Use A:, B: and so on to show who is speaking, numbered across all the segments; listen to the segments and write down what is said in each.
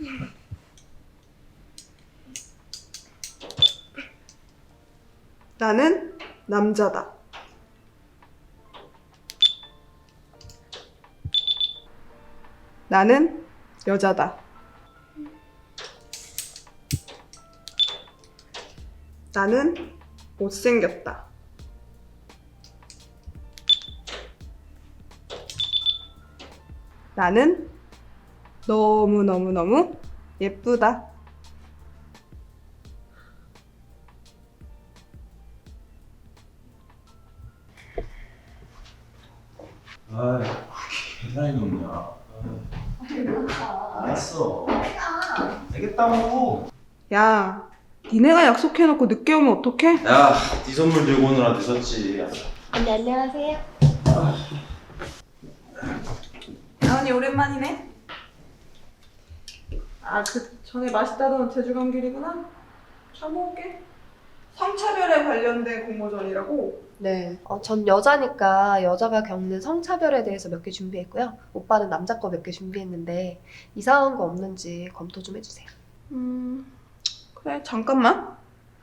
A: 나는 남자다. 나는 여자다. 나는 못생겼다. 나는 너무너무너무 예쁘다.
B: 아이, 계산이 없냐. 알았어. 알겠다고.
A: 야, 니네가 약속해놓고 늦게 오면 어떡해?
B: 야, 네 선물 들고 오느라 늦었지.
C: 네, 안녕하세요.
A: 나은이 오랜만이네. 아, 그 전에 맛있다던 제주 간 길이구나. 잘 먹을게. 성차별에 관련된 공모전이라고.
C: 네. 전 여자니까 여자가 겪는 성차별에 대해서 몇 개 준비했고요. 오빠는 남자 거 몇 개 준비했는데 이상한 거 없는지 검토 좀 해주세요.
A: 그래, 잠깐만.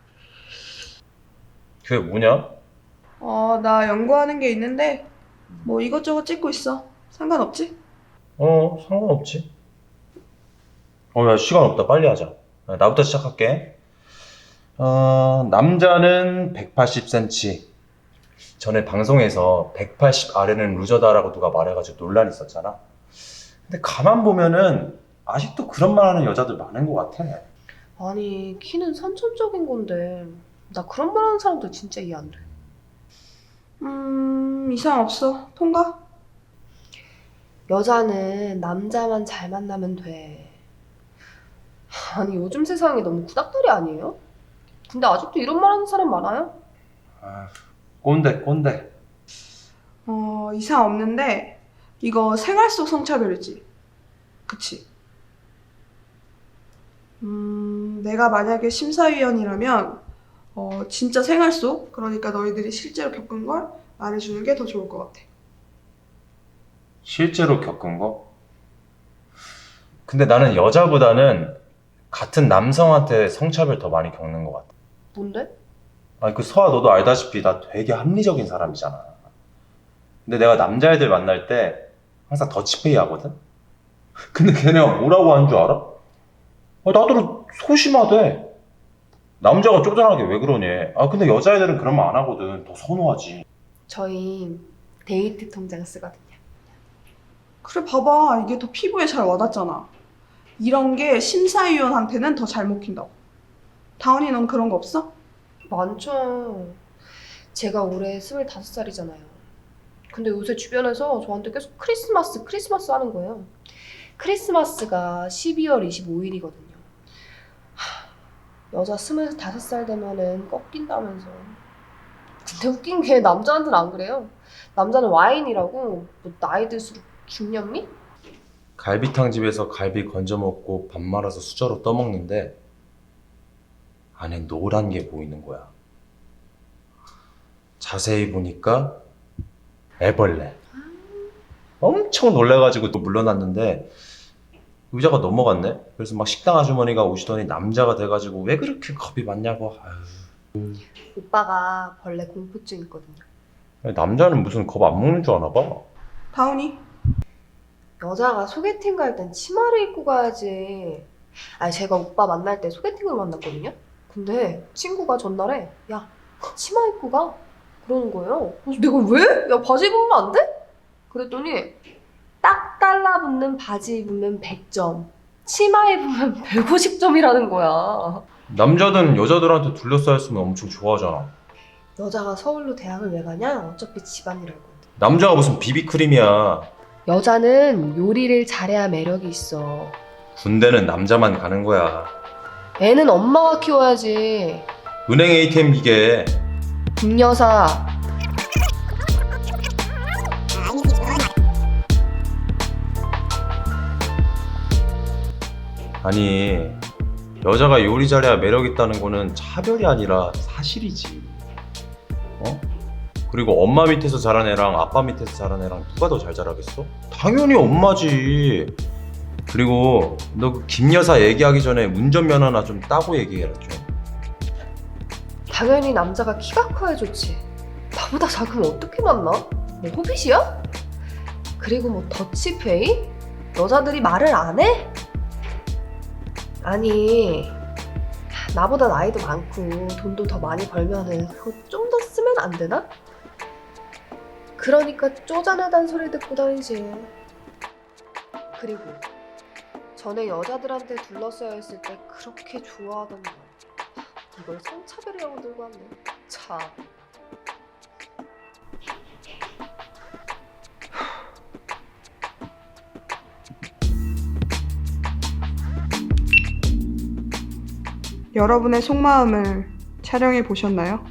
B: 그게 뭐냐?
A: 나 연구하는 게 있는데 뭐 이것저것 찍고 있어. 상관없지?
B: 상관없지. 야, 시간 없다. 빨리 하자. 나부터 시작할게. 남자는 180cm. 전에 방송에서 180 아래는 루저다라고 누가 말해가지고 논란이 있었잖아. 근데 가만 보면은 아직도 그런 말 하는 여자들 많은 것 같아.
C: 아니, 키는 선천적인 건데 나 그런 말 하는 사람들 진짜 이해 안 돼.
A: 이상 없어. 통과?
C: 여자는 남자만 잘 만나면 돼. 아니, 요즘 세상이 너무 구닥다리 아니에요? 근데 아직도 이런 말 하는 사람 많아요?
B: 꼰대.
A: 이상 없는데 이거 생활 속 성차별이지. 그치? 내가 만약에 심사위원이라면 진짜 생활 속, 그러니까 너희들이 실제로 겪은 걸 말해주는 게 더 좋을 것 같아.
B: 실제로 겪은 거? 근데 나는 여자보다는 같은 남성한테 성차별 더 많이 겪는 것 같아.
C: 뭔데?
B: 아니, 그 서아, 너도 알다시피 나 되게 합리적인 사람이잖아. 근데 내가 남자애들 만날 때 항상 더치페이 하거든? 근데 걔네가 뭐라고 하는 줄 알아? 나도 소심하대. 남자가 쪼잔하게 왜 그러니? 근데 여자애들은 그런 말 안 하거든. 더 선호하지.
C: 저희 데이트 통장 쓰거든요.
A: 그래, 봐봐. 이게 더 피부에 잘 와닿잖아. 이런 게 심사위원한테는 더 잘 먹힌다고. 다은이 넌 그런 거 없어?
C: 많죠. 제가 올해 25살이잖아요. 근데 요새 주변에서 저한테 계속 크리스마스 하는 거예요. 크리스마스가 12월 25일이거든요. 여자 25살 되면은 꺾인다면서. 근데 웃긴 게 남자한테는 안 그래요. 남자는 와인이라고 뭐 나이 들수록 중년미?
B: 갈비탕 집에서 갈비 건져 먹고 밥 말아서 수저로 떠먹는데 안에 노란 게 보이는 거야. 자세히 보니까 애벌레. 엄청 놀래가지고 또 물러났는데 의자가 넘어갔네. 그래서 막 식당 아주머니가 오시더니 남자가 돼가지고 왜 그렇게 겁이 많냐고.
C: 오빠가 벌레 공포증 있거든요.
B: 남자는 무슨 겁 안 먹는 줄 아나 봐.
A: 다은이?
C: 여자가 소개팅 갈 땐 치마를 입고 가야지. 아니, 제가 오빠 만날 때 소개팅으로 만났거든요. 근데 친구가 전날에 야, 치마 입고 가? 그러는 거예요. 그래서 내가 왜? 야, 바지 입으면 안 돼? 그랬더니 딱 달라붙는 바지 입으면 100점, 치마 입으면 150점이라는 거야.
B: 남자든 여자들한테 둘러싸였으면 엄청 좋아하잖아.
C: 여자가 서울로 대학을 왜 가냐? 어차피 집안일 할 건데.
B: 남자가 무슨 비비크림이야.
C: 여자는 요리를 잘해야 매력이 있어.
B: 군대는 남자만 가는 거야.
C: 애는 엄마가 키워야지.
B: 은행 ATM 기계.
C: 김여사.
B: 아니, 여자가 요리 잘해야 매력 있다는 거는 차별이 아니라 사실이지. 그리고 엄마 밑에서 자란 애랑 아빠 밑에서 자란 애랑 누가 더 잘 자라겠어? 당연히 엄마지. 그리고 너 그 김 여사 얘기하기 전에 운전면허나 좀 따고 얘기해라 좀.
C: 당연히 남자가 키가 커야 좋지. 나보다 작으면 어떻게 만나? 뭐 호빗이야? 그리고 뭐 더치페이? 여자들이 말을 안 해? 아니 나보다 나이도 많고 돈도 더 많이 벌면은 그거 좀 더 쓰면 안 되나? 그러니까 쪼잔하단 소리 듣고 다니지. 그리고 전에 여자들한테 둘러싸여 있을 때 그렇게 좋아하던 거 이걸 성차별이라고 들고 왔네. 참.
A: 여러분의 속마음을 촬영해 보셨나요?